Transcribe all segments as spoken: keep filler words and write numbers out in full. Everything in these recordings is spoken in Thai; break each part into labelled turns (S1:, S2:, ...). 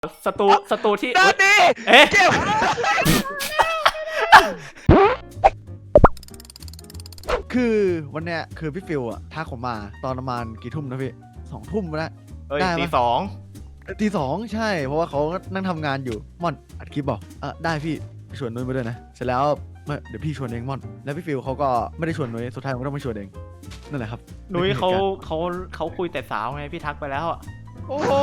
S1: ศัตรูศัตรูที่
S2: ด้านนี้
S1: เอ๊ะ
S2: เก็บ
S3: คือวันเนี้ยคือพี่ฟิวอะทักผมมาตอนประมาณกี่ทุ่มนะพี่สองทุ่มแล้ว
S1: เอ้ย
S3: ได้ปะ
S1: ตีสอง
S3: ตีสองใช่เพราะว่าเขานั่งทำงานอยู่ม่อนอัดคลิปบอกเออได้พี่ชวนนุ้ยมาด้วยนะเสร็จแล้วเมื่อเดี๋ยวพี่ชวนเองม่อนแล้วพี่ฟิวเขาก็ไม่ได้ชวนนุ้ยสุดท้ายผมก็ต้องมาชวนเองนั่นแหละครับ
S1: นุ้ยเขาเขาเขาคุยแต่สาวไงพี่ทักไปแล้วอ่ะ
S2: โอ้โห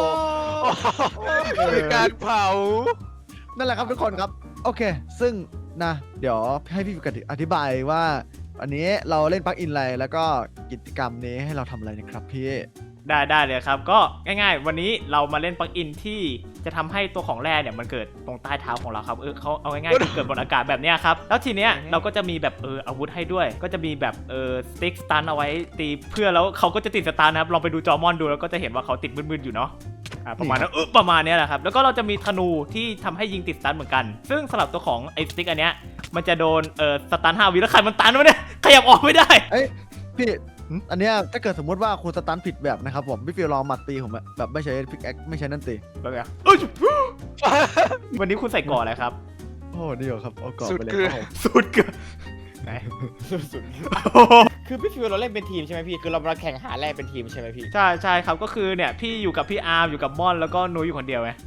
S2: คือการเผา
S3: นั่นแหละครับทุกคนครับโอเค ซึ่งนะเดี๋ยวให้พี่ฟิวอธิบายว่าอันนี้เราเล่นปลั๊กอินอะไรแล้วก็กิจกรรมนี้ให้เราทำอะไรนะครับพี่
S1: ได้ได้เลยครับก็ง่ายๆวันนี้เรามาเล่นปลั๊กอินที่จะทำให้ตัวของแร่เนี่ยมันเกิดตรงใต้เท้าของเราครับเออเขาเอาง่ายๆคือเกิดบนอากาศแบบเนี้ยครับแล้วทีเนี้ยเราก็จะมีแบบเอออาวุธให้ด้วยก็จะมีแบบเออสติ๊กสตันเอาไว้ตีเพื่อแล้วเขาก็จะติดสตันนะครับลองไปดูจอมอนดูแล้วก็จะเห็นว่าเขาติดมึนๆอยู่เนาะอ่าประมาณนั้นเออประมาณเนี้ยแหละครับแล้วก็เราจะมีธนูที่ทำให้ยิงติดสตันเหมือนกันซึ่งสำหรับตัวของไอ้สติ๊กอันเนี้ยมันจะโดนเออสตันห้าวิแล้วใครมันตันวะเนี่ยขยับออกไม่ได้
S3: เอ้ยพี่อันเนี้ยถ้าเกิดสมมติว่าคุณสตันผิดแบบนะครับผมพี่ฟิวลองหมัดตีผมอะแบบไม่ใช้พิกแอคไม่ใช้นั่นตี
S1: แบบเนี้ยเอ้ยวันนี้คุณใส่ก่อนอะไรครับ
S3: โอ้ดีเหรอครับเอากรอบ
S2: สุด
S3: ไปเลย
S2: คือ
S3: ครับผม
S1: สุดเกินไหน
S4: สุดคือพี่ฟิวเราเล่นเป็นทีมใช่ไหมพี่คือเรามาแข่งหาแร่เป็นทีมใช่ไหมพี่
S1: ใช่ใช่ครับก็คือเนี่ยพี่อยู่กับพี่อาร์มอยู่กับม่อนแล้วก็นุ้ยอยู่คนเดียวไง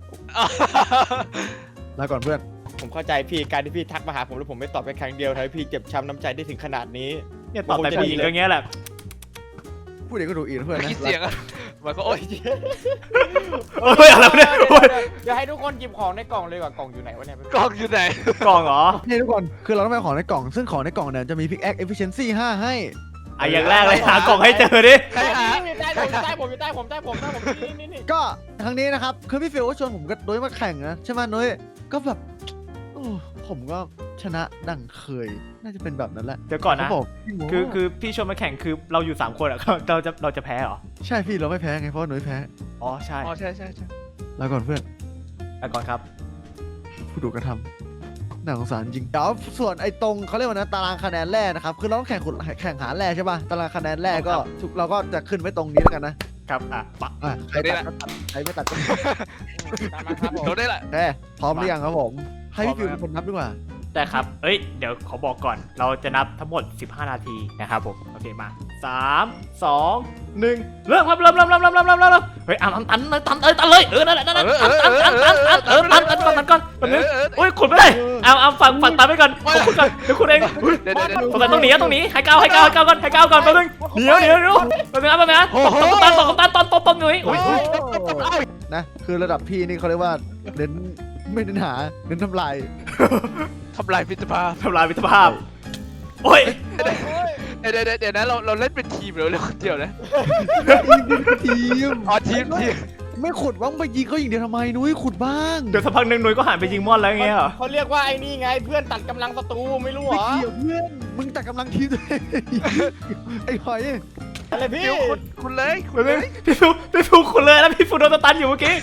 S3: ลาก่อนเพื่อน
S4: ผมเข้าใจพี่การที่พี่ทักมาหาผมแล้วผมไม่ตอบแค่ครั้งเดียวทำให้พี่เจ็บช้ำน้ำใจได้ถึงขนาดนี้
S1: เนี่ยตอบแต่ผู้หญิงอย่างเงี้ยแหละ
S3: พูดเองก็ดูอีกนะเพื่อน
S2: ไม่
S3: นะ
S2: คิดเสียงอะมันก็โอ๊ย
S1: เฮ้ยอะไรวะเนี่ยโอ้ย
S4: เดี๋ยวให้ทุกคนหยิบของในกล่องเลยว่ากล่องอยู่ไหนวะเนี่ย
S2: กล้องอยู่ไหน
S1: กล่องเหรอ
S3: นี่ทุกคนคือเราต้องไปเอาของในกล่องซึ่งของในกล่องเนี่ยจะมีพิกแอคเอฟฟิเชนซี่ห้าให้
S1: อ่ะอย่างแรกเลยหากล่องให้เจอดิ
S2: ใครหา
S4: อยู่ใต้ผมอยู่ใต้ผมอยู่ใต้ผมใต้ผมใต้ผมนี่นี่นี่
S3: ก็ครั้งนี้นะครับคือพี่ฟิวก็ชวนผมกับนุ้ยมาแข่งนะใช่ไหมนุ้ยก็แบบโอ้ผมก็ชนะดังเคยน่าจะเป็นแบบนั้นแหละ
S1: เดี๋ยวก่อนนะ
S3: เขาบอก
S1: คือคือพี่ชวนมาแข่งคือเราอยู่สามคนอ่ะ เราจะเราจะแพ้เหรอ
S3: ใช่พี่เราไม่แพ้ไงเพราะว่านุ้ยแพ้
S1: อ๋อใช่
S2: อ๋อใช่ใช่ใช่
S3: ลาก่อนเพื่อน
S1: อ่ะก่อนครับ
S3: ผู้ดูกระทำน่าสงสารจริงเดี๋ยวส่วนไอ้ตรงเขาเรียกว่านะตารางคะแนนแรกนะครับคือเราต้องแข่งขุดแข่งหาแร่ใช่ป่ะตารางคะแนนแรกก็ทุกเราก็จะขึ้นไว้ตรงนี้แล้วกันนะครับ
S1: อ่ะปะ
S3: อ่ะใครตัดก็ตัดใครไม่ตัดก็
S4: ตามมาครับผม
S2: โดนได้แหละ
S3: แพ้พร้อมหรือยังครับผมให้พี่ฟิวเป็นคนนับดีกว่า
S1: ได้ครับเอ้ยเดี๋ยวขอบอกก่อนเราจะนับทั้งหมดสิบห้านาทีนะครับผมโอเคมาสามสองหนึ่งเริ่มครับเริ่มเริ่มเริ่มเริ่มเริ่มเริ่มเริ่มเฮ้ยอ่ะตันตันตันเอ้ยตันเลยเออนั่นแหละนั่นแหละตันตันตันตันตันเออตันตันตันตันก่อนตันนึงโอ้ยขุดไม่ได้เอาเอาฝั่งฝั่งตันไปก่อนผมขุดก่อนเดี๋ยวขุดเอง
S2: เดี๋ยวเดี๋ยวเดี๋ยว
S1: ตรงไหนต้องหนีอะต้องหนีให้ก้าวให้ก้าวให้ก้าวก่อนให้ก้าวก่อนแป๊บนึงเดี๋ยวเดี๋ยวเดี๋ยวแป๊บนึงนะแป๊บนึงนะตบตันตบตันตบตบตบหนุ่ยอุ้ย
S3: นะคือระดับพี่นี่เขาเรียกว่าเน้นไม่เน้นหาเน้นทำลาย
S2: ทำลายมิตรภาพ
S1: ทำลายมิตรภาพโอ้ย
S2: เดี๋ยวเดี๋ยวเดี๋ยวนะเราเราเล่นเป็นทีมหรือเล่นคนเดียวนะ
S3: ทีม
S2: อ๋อทีมทีม
S3: ไม่ขุดว่างไปยิงเขาอย่างเดียวทำไมนุ้ยขุดบ้าง
S1: เดี๋ยวสักพักหนึ่งหนุ่ยก็หันไปยิงมอนแล้วอย่างเงี้ยเหรอ
S4: เขาเรียกว่าไอ้นี่ไงเพื่อนตัดกำลังศัตรูไม่รู้เหร
S3: ไม่
S4: อ
S3: เกี่ยวเพื่อนมึงแต่กำลังทีมตัวเองไอ้หอย
S4: อะไรพี่
S2: เดี๋ยวคุณคุณเลยคุ
S1: แป๊
S2: ณ
S1: บ
S2: เล
S1: นึง
S2: ย
S1: พี่ฟูพี่ฟูขุดเลยแล้วพี่ฟูโดนตันอยู่เมื่อกี้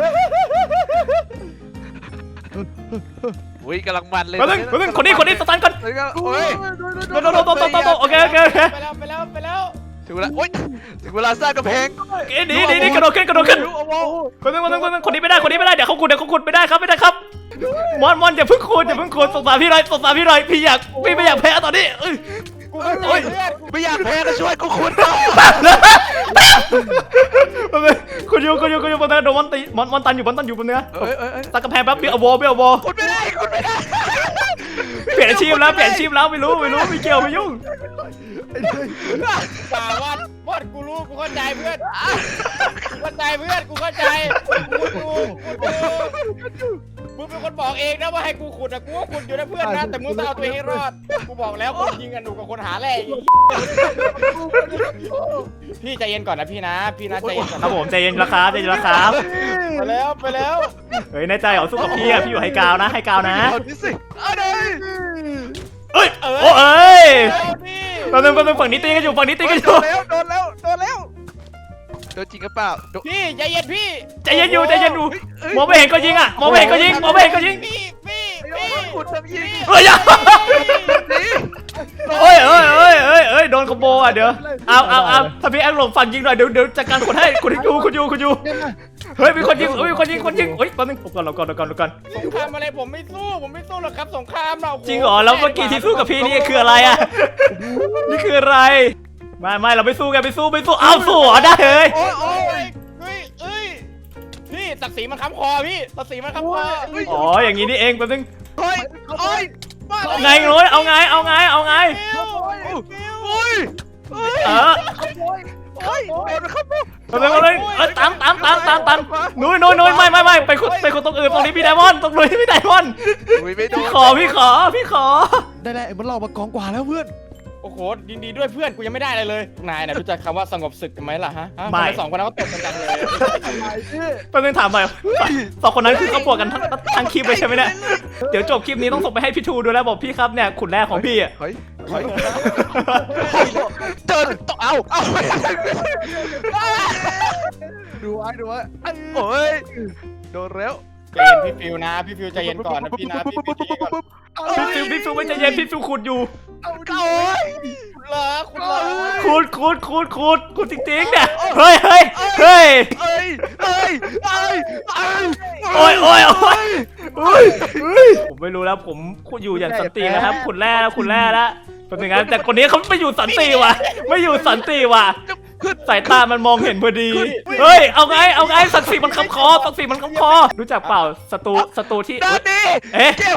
S2: อุ้ยกำลังมันเลย
S1: แป๊บนึงแป๊บนึงคนนี้คนนี้สตันก่อน
S2: เฮ้ยโอ้ย
S1: โดนโดนโดนโดนโดนโดนโอเคโอเคโอเค
S4: ไปแล้วไปแล้วไปแล้ว
S2: ถึงเวลาโอ๊ยถึงเวลาสร้างกำแพง
S1: เอ๊ะหนีหนีหนีกระโดดขึ้นกระโดดขึ้น
S2: โอ้โห
S1: คนนึงคนนึงคนนึงคนนี้ไม่ได้คนนี้ไม่ได้เดี๋ยวเขาขุดเดี๋ยวเขาขุดไม่ได้ครับไม่ได้ครับมอนมอนอย่าเพิ่งขุดอย่าเพิ่งขุดสงสารพี่หน่อยสงสารพี่หน่อยพี่อยากพี่ไม่อยากแพ้ตอนนี้เอ้ย
S4: กูไม่รู้เพื่อน
S2: ไม่อยากแพ้ก็ช่วยกูคุณ
S1: คุณอยู่คุณอยู่คุณอยู่บนนั้นโดนมอนตีมอนมอนตันอยู่มอนตันอยู่บนเนื้อ
S2: เอ้ยเอ้ยเอ้ย
S1: ตัดกระแพงแป๊บเบี้ยววอเบี้ยววอ
S2: คุณไม่ได้คุณไม่ได้
S1: เปลี่ยนอาชีพแล้วเปลี่ยนอาชีพแล้วไม่รู้ไม่รู้ไม่เกี่ยวไม่ยุ่ง
S4: ป่าวัดวัดกูรู้กูเข้าใจเพื่อนกูเข้าใจเพื่อนกูเข้าใจกูดูกูดูมึงเป็นคนบอกเองนะว่าให้กูขุดอะกูก็ขุดอยู่นะเพื่อนนะแต่มึงต้องเอาตัวเองให้รอดกูบอกแล้วคนยิงกันหนูกับคนหาแร่พี่ใจเย็นก่อนนะพี่นะพี่นะใจเย็นก่อน
S1: ครับผมใจเย็นราคาใจเย็นราคา
S4: ไปแล้วไปแล้ว
S1: เฮ้ยในใจของสู้กับพี่อะพี่อยู่ให้กาวนะให้กาวนะ
S2: เอาดิสิเอาดิ
S1: เอ้ยโอ้เอ้ย
S4: พี่
S1: แป๊บนึงแป๊บนึงฝั่งนี้ตีกันอยู่ฝั่งนี้ตีกันอ
S2: โด
S1: ยู่
S2: นแล้วโดนแล้วโดนแล้วโดนจริงหรือเปล่าโดน
S4: พี่ใจเย็นพี่
S1: ใจเย็นอยู่ใจเย็นอยู่มองไม่เห็นก็ยิงอ่ะมองไม่เห็นก็ยิงมองไม่เห็นก็ยิง
S4: พี่พี่
S2: ไอ้
S4: พี่
S2: โอ้ยขุดทำยิง
S1: เฮ้ยอย่า
S2: นี่
S1: เอ้ยเอ้ยเอ้ยเอ้ยเอ้ยโดนคอมโบอ่ะเดี๋ยวเอาเอาเอาถ้าพี่แอคหลงฝั่งยิงหน่อยเดี๋ยวเดี๋ยวจัดการคนให้คุณอยู่คุณอยู่คุณอยู่
S3: เนี่ยนะ
S1: เฮ้ยมีคนยิงเฮ้ยมีคนยิงคนยิงเฮ้ยแป๊บนึงก่อนเราก่อนเราก่อนเราก่อน
S4: สงครามอะไรผมไม่สู้ผมไม่สู้หรอกครับสงครามเรา
S1: จริงเหรอแล้วเมื่อกี้ที่สู้กับพี่นี่คืออะไรอะนี่คืออะไรไม่ไม่เราไม่สู้กันไม่สู้ไม่สู้เอาสู้เหรอได้เลย
S4: โอ้ยโอ้ยเฮ้ยเอ้ยพี่ศักดิ์ศรีมันค้ำคอพี่ศักดิ์ศรีมันค้ำคอ
S1: อ๋ออย่างนี้นี่เองแป๊บนึง
S2: เฮ้ยเฮ้ย
S1: เอาไงโรยเอาไงเอาไงเอาไง
S4: ฟิวฟิว
S2: เฮ้ยเฮ้ย
S1: เออ
S2: เฮ้ยโดนครับ
S1: แป๊บนึงเอาเลยเออตามตามตามตามตามนุ้ยนุ้ยนุ้ยไม่ไม่ไม่ไปคนไปคนตรงอื่นตรงนี้พี่ไดมอนด์ตรงนุ้ยพี่ไดมอนด์
S2: อุ้ยไม่โด
S1: พี่
S2: น
S1: ขอพี่ขอพี่ขอ
S3: ได้แล้วไอ้มันเรามากองกว่าแล้วเพื่อน
S4: โอ้โหยินดีด้วยเพื่อนกูยังไม่ได้อะไรเลยนายน่ะรู้จักคำว่าสงบศึกกันไหมล่ะฮะฮะทำไมสองคนนั้นเขาตบกันจังเลย
S1: แป๊บนึงถามหน่อยสองคนนั้นคือเขาบวกกันทั้งทั้งคลิปเลยใช่ไหมเนี่ยเดี๋ยวจบคลิปนี้ต้องส่งไปให้พี่ทูดูแลบอกพี่ครับเนี่ยขุนแรกของพี่อ่ะ
S2: เฮ้ยเฮ้ยเจอต่อเอาเอา
S3: ดูไว้ดูไว้
S2: โอ้ยโดนแล้ว
S4: ใจเย็นพี่ฟิวนะพี่ฟิวใจเย็นก่อนนะพี่นะพี่ฟิวใจเย็นก่อน
S1: พี่ฟิวพี่ฟิวไม่ใจเย็นพี่ฟิวขุดอยู่
S2: โอ้ย
S4: คุณเหรอคุณเหรอ
S1: ขุดขุดขุดขุดขุดจริงๆเนี่ยเฮ้ยเฮ้ยเฮ้ย
S2: เอ้ยเอ้ยเอ้ยเอ้ย
S1: โอ้ยโอ้ยโอ้ยเฮ้ยเฮ้ยผมไม่รู้แล้วผมขุดอยู่อย่างสันตินะครับขุดแร่ขุดแร่แล้วเป็นยังไงแต่คนนี้เขาไม่อยู่สันติว่ะไม่อยู่สันติว่ะสายตามันมองเห็นพอดีเฮ้ยเอาไงเอาไงศักดิ์ศรีมันคำคอศักดิ์ศรีมันคำคอรู้จักเปล่าศัตรูศัตรูที่
S2: ด้านนี้
S1: เอ๊ะ
S2: เก็บ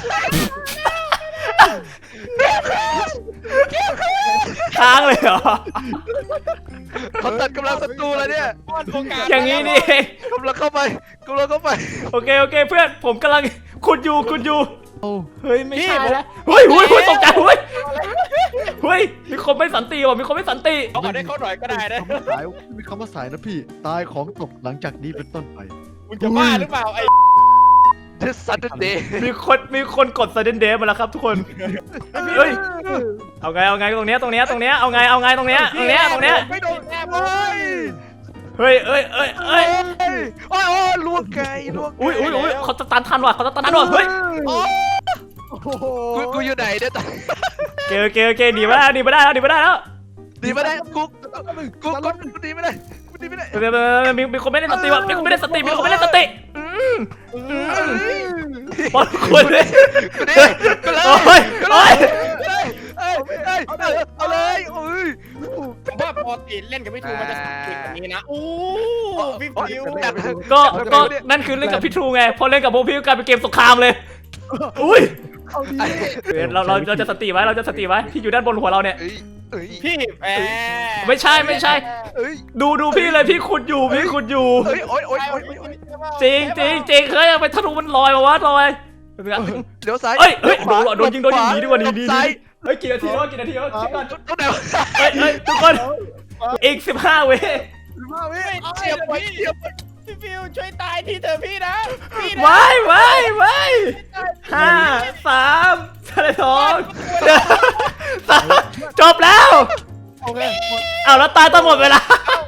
S1: ค้างเลยเหรอ
S2: เขาตัดกำลังศัตรูแล้วเนี่ย
S1: อย่างนี้นี่เอง
S2: กำลังเข้าไปกำลังเข้าไป
S1: โอเคโอเคเพื่อนผมกำลังขุดอยู่ขุดอยู่
S3: โอ้
S1: เฮ้ยไม่ใช่แล้วเฮ้ยเฮ้ยเฮ้ยตกใจเฮ้ยเฮ้ยมีคนไม่สันติว่ะมีคนไม่สันติ
S4: เอาได้เขาหน่อยก็ได้นะ
S3: คำว่าสายมีคำว่าสายนะพี่ตายของตกหลังจากนี้เป็นต้นไป
S4: มึงจะบ้าหรือเปล่าไอ้
S2: เทสซันเดย์
S1: มีคนมีคนกดไซเดนเดย์มาแล้วครับทุกคนเฮ้ยเอาไงเอาไงตรงเนี้ยตรงเนี้ยตรงเนี้ยเอาไงเอาไงตรงเนี้ยตรงเนี้ยตรงเนี้ย
S4: ไม่โดนแน่
S2: เฮ้ย
S1: เฮ้ยเอ้ยเอ้ยเอ้ย
S2: โอ้ยโอ้ยลวกไก่ลวก
S1: อุ้ยอุ้ยอุ้ยเขาจะตันทันว่ะเขาจะตันทันว่ะเฮ้ย
S3: โอ้โห
S2: กูกูอยู่ไหนเนี่ย
S1: เกลเกลเกลหนีไม่ได้หนีไม่ได้แล้วหนีไม่ได้แล้ว
S2: ดีไม่ได้กูกูกูกูดีไม่ได้กูดีไม่ได้
S1: เดี๋ยวๆๆมีมีคนไม่ได้สติว่ะมีคนไม่ได้สติมีคนไม่ได้สติอืมอืมบอลคนเลย
S2: กูดีกูเลย
S1: โอ้ย
S2: กูเล
S1: โอ้
S2: ย
S1: ย
S2: เอ้ยเอ้ยเอ้ยเอาเลยโอ้ย
S4: ผมว่าปกติเล่นกับพี่ทูมันจะติดแบบนี้นะโอ้พี่ฟิว
S1: ก็ก็นั่นคือเล่นกับพี่ทรูไงพอเล่นกับพวกพี่ก็กลายเป็นเกมสงครามเลยอุ้ย
S3: เอาดี
S1: เราเราเราจะสติไว้เราจะสติไว้ที่อยู่ด้านบนหัวเราเนี่ย
S2: เอ้ยเอ้ย
S4: พี่แหม
S1: ไม่ใช่ไม่ใช่
S2: เอ้ย
S1: ดูดูพี่เลยพี่ขุดอยู่พี่ขุดอยู่
S2: เอ้ยโอ้ยโอ้ยโอ้ย
S1: จริงจริงจริงเฮ้ยไปทะลุมันลอยมาวะลอยเป็นไง
S2: เลี้ยวซ้าย
S1: เอ้ยเฮ้ยโดนโดนยิงโดนยิงหนีดีกว่าหนีหนี
S2: ซ้าย
S1: เฮ้ยกี่นาทีแล้วกี่นาทีแล้วคิดก่อน
S2: ตรงไหนวะ
S1: เฮ้ยเฮ้ยทุกคนอีกสิบห้าเว้ย
S3: มาเว้ย
S4: เฉียบไปเฉียบพี่ฟิวช่วยตายทีเถอะพี่นะพี่นะ
S1: ว้ายว้ายว้ายห้าสามสองเดี๋ยวสามจบแล้ว
S3: โอเคหมด
S1: เอาแล้วตายต้องหมดเวลา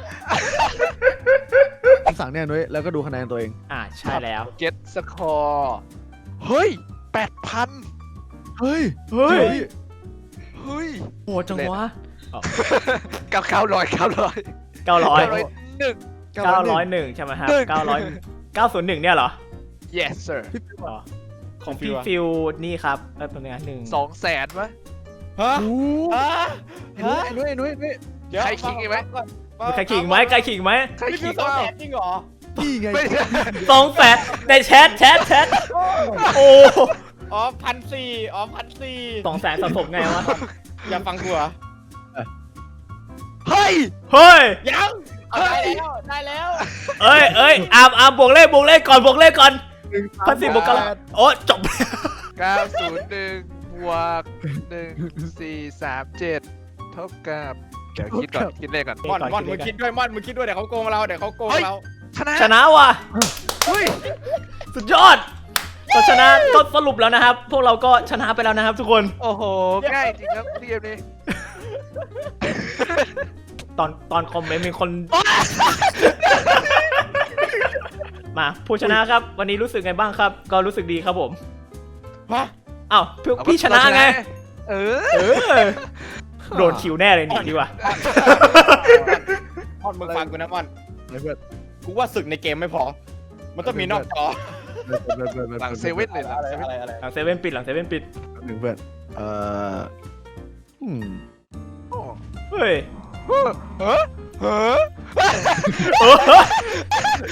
S3: คำสั่งเนี่ยนุ้ยแล้วก็ดูคะแนนตัวเอง
S1: อ่าใช่แล้ว
S2: เก็ตสคอร์เฮ้ยแปดพัน
S3: เฮ้ย
S1: เฮ้ย
S2: เฮ้ย
S1: โหดจังวะ
S2: เก้าเก้าร้อยเก้าร้อย
S1: เก้าร้อย
S2: เก้าร้อยหนึ่ง
S1: เก้าร้อยหนึ่งใช่ไหมครับ
S2: หนึ่ง
S1: เก้าร้อยเก้าศูนย์หนึ่งเนี่ยเหรอ
S2: yes sir
S1: อ๋อของพี่ฟิวนี่ครับเออตัวนี้หนึ่ง
S2: สองแสนวะ
S4: ฮะ
S3: โอ้
S4: ฮะ
S3: ไอ้นุ้ยไอ้นุ้ยไอ้นุ้ย
S2: ใครขิงอีกไหม
S1: มีใครขิงไหมใครขิงไหม
S2: ใคร
S4: พี่ฟิ
S2: คิ
S4: ว
S2: ด
S4: สอง
S2: ว่า
S4: แสนจริงเหรอ
S3: นี่ไง
S2: ไม่ใช่
S1: สองแสนในแชทแชทแชทโอ้
S4: อ๋อพันสี่อ๋อพันสี่
S1: สองแสนสะสมไงวะ
S4: อย่าฟังกูเหรอ
S2: เฮ้ย
S1: เฮ้ย
S4: ยังได้แล้วได้แล้ว
S1: เอ้ยเอ้ยอามอามบวกเลขบวกเลขก่อนบวกเลขก่อนพันสี่บวกกันโอ้จบ
S2: เก้าศูนย์หนึ่งบวกหนึ่งสี่สามเจ็ดเท่ากับเดี๋ยวคิดก่อนคิดเลขก่อน
S4: ม่อนม่อนมึงคิดด้วยม่อนมึงคิดด้วยเดี๋ยวเขาโกงเราเดี๋ยวเขาโกงเรา
S2: ชนะ
S1: ชนะว่ะ
S2: เฮ้ย
S1: สุดยอดก็ชนะก็สรุปแล้วนะครับ พวกเราก็ชนะไปแล้วนะครับ ทุกคน
S2: โอ้โหง่ายจริงครับเกมนี้
S1: ตอนตอนคอมเมนต์มีคน มาผู้ชนะครับ วันนี้รู้สึกไงบ้างครับ ก็รู้สึกดีครับผม
S4: ฮะ
S1: อ้าวพี่พี่ชนะไง
S2: เออ
S1: เออโดนคิวแน่เลยหนีดีกว่า
S4: ม่อนมึงฟังกูนะม่อน
S3: ไอ้เพื่อน
S4: กูว่าศึกในเกมไม่พอ มันต้องมีนอกจอ
S2: หลังเซเว่นเลยหลัง
S4: อะไร
S2: เซเว่น
S4: อะไรอะไร
S1: หลังเซเว่นปิดหลังเซเว่นปิด
S3: หนึ่งเพื่อนเอ่ออืม
S2: โอ้
S1: เฮ้ย
S2: เฮ้อเฮ้อเฮ้อ
S1: เออ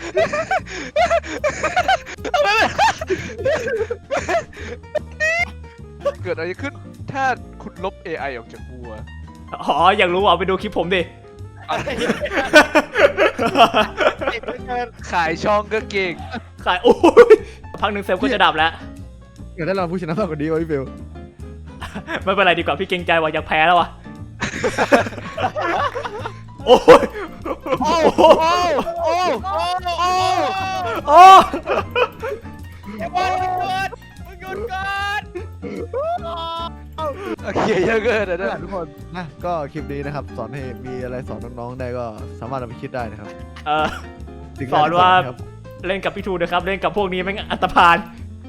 S2: เกิดอะไรขึ้นถ้าคุณลบ เอ ไอ ออกจากบัว
S1: อ๋ออยากรู้เอาไปดูคลิปผมดิ
S2: ขายช่องก็เก่ง
S1: ขายโอ้ยพักหนึ่งเซฟก็จะดับแล้ว
S3: อยากได้รางวัลผู้ชนะมากกว่านี้วะพี่ฟิว
S1: ไม่เป็นไรดีกว่าพี่เกรงใจว่ะอยากแพ้แล้วว่ะโอ้ย
S2: โอ้โหโอ้
S4: โอ้โอ้
S1: โอ้
S4: ไอ้บอลมึงหยุดมึงหยุดก่อน
S2: โอเคเยอะเกินนะ
S3: นั่น
S2: เนี่
S3: แห
S2: ย
S3: ละทุกคนนะก็คลิปนี้นะครับสอนให้มีอะไรสอนน้องๆได้ก็สามารถเอาไปคิดได้นะครับ
S1: เออ
S3: สิ่งแรก
S1: สอนว่า
S3: ที่ครับ
S1: เล่นกับพี่ทูนะครับเล่นกับพวกนี้แม่งอันตรพาน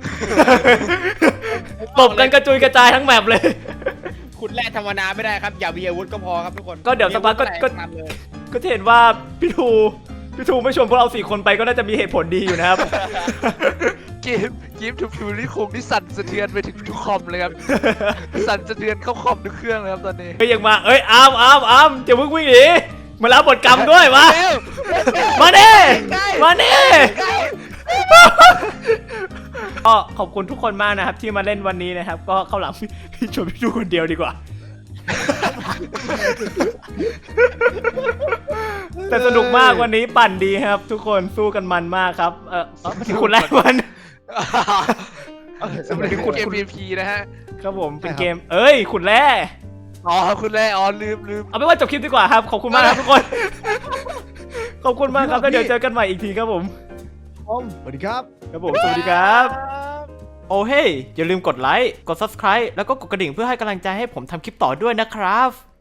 S1: ตบกันกระจุยกระจายทั้งแมปเลย
S4: ขุดแร่ธรรมดาไม่ได้ครับ อย่ามีอาวุธก็พอครับทุกคน
S1: ก็เดี๋ยวสักพักก็ก็
S4: ทำเลย
S1: ก็จะเห็นว่าพี่ทูพี่ทูไม่ชวนพวกเราสี่คนไปก็น่าจะมีเหตุผลดีอยู่นะครับ
S2: เกมเกมทูฟิวนี่คงที่สั่นสะเทือนไปถึงทุกคอมเลยครับ สั่นสะเทือนเข้าคอมทุกเครื่องเลยครับตอนนี้
S1: เฮ้ยยังมาเอ้ยอามอามอามจะมึงวิ่งหนีมารับบทกรรมด้วยมา
S2: เร็ว
S1: มาเน่มาเน่ก็ขอบคุณทุกคนมากนะครับที่มาเล่นวันนี้นะครับ ก็เข้าหลังพี่พี่ชวนพี่ทูคนเดียวดีกว่า แต่สนุกมากวันนี้ปั่นดีครับ ทุกคนสู้กันมันมากครับ เออเอ้าคุณแรกมัน
S2: สำหรับเกม พี พี นะฮะ
S1: ครับผมเป็นเกม เอ้ยขุนแร่
S2: อ๋อคุณแร่อ๋อลืมลืม
S1: เอาเป็นว่าจบคลิปดีกว่าครับขอบคุณมากครับทุกคน ขอบคุณมากครับแล้วเดี๋ยวเจอกันใหม่อีกทีครับผม
S3: ผมสวัสดีครับ
S1: ครับผมสวัสดีครับ โอ้เฮ้ยอย่าลืมกดไลค์กด ซับสไครบ์ แล้วก็กดกระดิ่งเพื่อให้กำลังใจให้ผมทำคลิปต่อด้วยนะครับ